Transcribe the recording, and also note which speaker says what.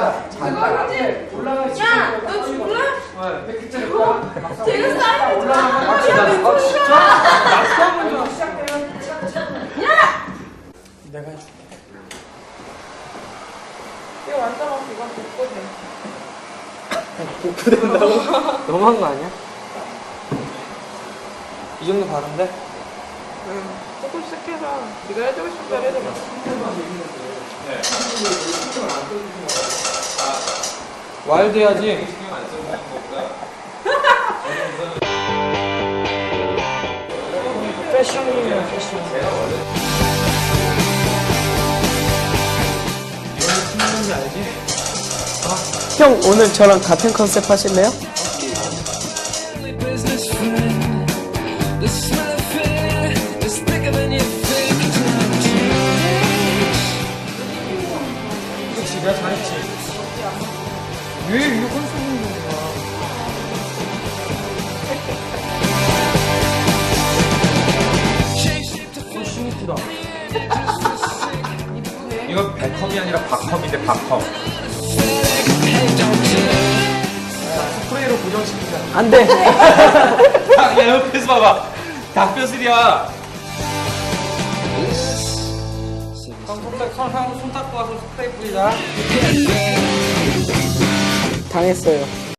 Speaker 1: 야, 너 죽을래? 되게 싸이
Speaker 2: 올라가면 진짜?
Speaker 1: 야!
Speaker 2: 내가 해줄게.
Speaker 1: 이거 완전 이건 복고돼.
Speaker 2: 복구된다고? 너무한 거 아니야? 이 정도 바른데?
Speaker 1: 응. 조금씩 해서 네가 해주고 싶은 대로 해줘봐.
Speaker 2: 와일드 해야지. 패션이에요, 패션. 이런 신는지 알지?
Speaker 3: 형 오늘 저랑 같은 컨셉 하실래요?
Speaker 2: 그치, 내가 잘했지. 왜 이거 컨셉인 거야? 이쁘다.
Speaker 4: 이거 백컵이 아니라 박컵인데 박컵.
Speaker 2: 스프레이로 고정시키자.
Speaker 3: 안 돼.
Speaker 4: 야 옆에서 봐봐. 닭뼈슬이야.
Speaker 2: 손 닦고 와서 스프레이 뿌리자.
Speaker 3: 당했어요.